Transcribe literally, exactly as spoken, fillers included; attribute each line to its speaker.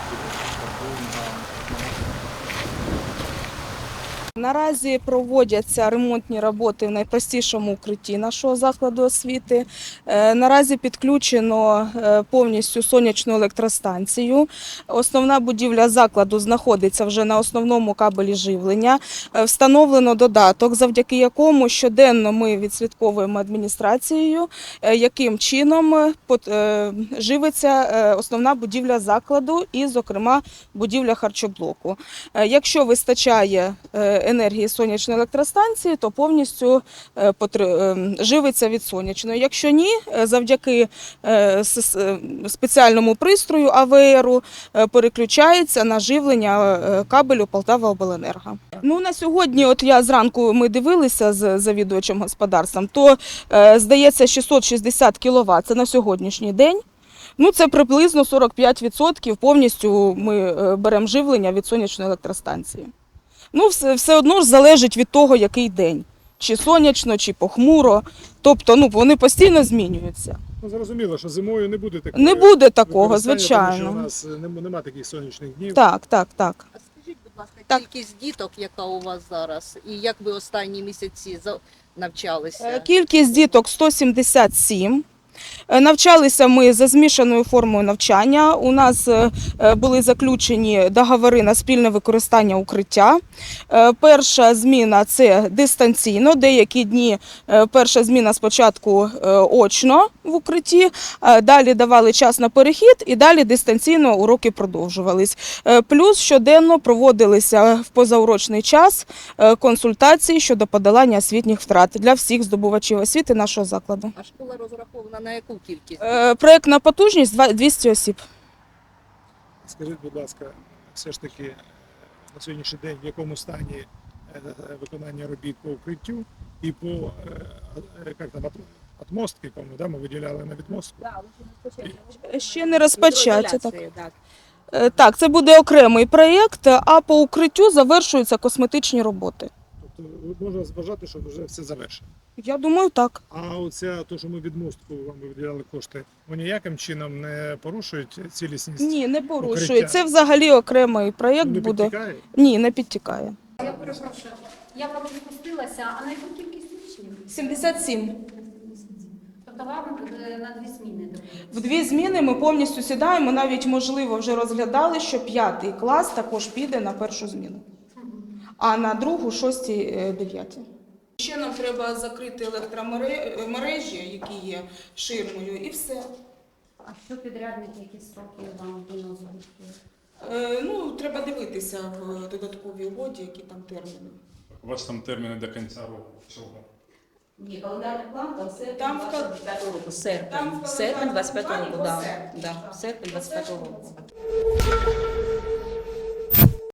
Speaker 1: Наразі проводяться ремонтні роботи в найпростішому укритті нашого закладу освіти. Е, Наразі підключено е, повністю сонячну електростанцію. Основна будівля закладу знаходиться вже на основному кабелі живлення. Е, Встановлено додаток, завдяки якому щоденно ми відслідковуємо адміністрацією, е, яким чином е, пот- е, живиться е, основна будівля закладу і, зокрема, будівля харчоблоку. Е, Якщо вистачає е, енергії сонячної електростанції, то повністю е, потр- е, живиться від сонячної. Якщо ні, е, завдяки е, с- е, спеціальному пристрою А В Ру е, переключається на живлення е, кабелю Полтаваобленерго. Ну, на сьогодні, от я зранку ми дивилися з завідувачем господарством, то е, здається шістсот шістдесят кіловат, це на сьогоднішній день. Ну, це приблизно сорок п'ять відсотків повністю ми е, беремо живлення від сонячної електростанції. Ну, все, все одно ж залежить від того, який день. Чи сонячно, чи похмуро. Тобто, ну, вони постійно змінюються.
Speaker 2: Ну, зрозуміло, що зимою не буде такого.
Speaker 1: Не буде такого,
Speaker 2: використання,
Speaker 1: звичайно.
Speaker 2: Тому що у нас нем- нема таких сонячних днів.
Speaker 1: Так, так, так.
Speaker 3: А скажіть, будь ласка,
Speaker 1: Так.
Speaker 3: кількість діток, яка у вас зараз, і як ви останні місяці за- навчалися?
Speaker 1: Е, Кількість діток сто сімдесят сім. Е, Навчалися ми за змішаною формою навчання. У нас е, е, були заключені договори на спільне використання укриття. Е, Перша зміна – це дистанційно. Деякі дні е, перша зміна спочатку е, очно в укритті, е, далі давали час на перехід і далі дистанційно уроки продовжувались. Е, Плюс щоденно проводилися в позаурочний час е, консультації щодо подолання освітніх втрат для всіх здобувачів освіти нашого закладу.
Speaker 3: А школа розрахована на яку кількість?
Speaker 1: Е, Проектна потужність два- двісті осіб.
Speaker 2: Скажіть, будь ласка, все ж таки на сьогоднішній день в якому стані е, виконання робіт по укриттю і по е, е, як там, ат- атмостки, кому да, ми виділяли на відмостку.
Speaker 1: Ще не розпочаті. Так.
Speaker 3: Гідроізоляція, так.
Speaker 1: Е, Так, це буде окремий проєкт, а по укриттю завершуються косметичні роботи.
Speaker 2: Тобто можна вважати, що вже все завершено.
Speaker 1: Я думаю, так.
Speaker 2: А оця, то, що ми відмостку вам виділяли кошти, вони ніяким чином не порушують цілісність?
Speaker 1: Ні, не порушує.
Speaker 2: Укриття.
Speaker 1: Це взагалі окремий проєкт
Speaker 2: Не
Speaker 1: буде.
Speaker 2: підтікає?
Speaker 1: Ні, не підтікає.
Speaker 4: Я перепрошую, я правда спустилася, а на яку кількість учнів?
Speaker 1: сімдесят сім.
Speaker 4: Тобто вам е, на дві зміни дають?
Speaker 1: В дві зміни ми повністю сідаємо, навіть, можливо, вже розглядали, що п'ятий клас також піде на першу зміну, а на другу – шостій, е, дев'ятій. Ще нам треба закрити електромережі, які є ширмою, і все.
Speaker 4: А що підрядники, які строки вам виносили?
Speaker 1: Е, Ну, треба дивитися в додатковій угоді, які там терміни.
Speaker 5: У вас там терміни до кінця року всього.
Speaker 6: Ні, календарний план там серпень
Speaker 1: Там в кал-
Speaker 6: двадцять п'ятого року. Серпень.
Speaker 1: Там в
Speaker 6: Серпень двадцять п'ятого
Speaker 1: календарному
Speaker 6: року,
Speaker 1: плані
Speaker 6: да.
Speaker 1: по серпню.
Speaker 6: Да. Серпень двадцять п'ятого року.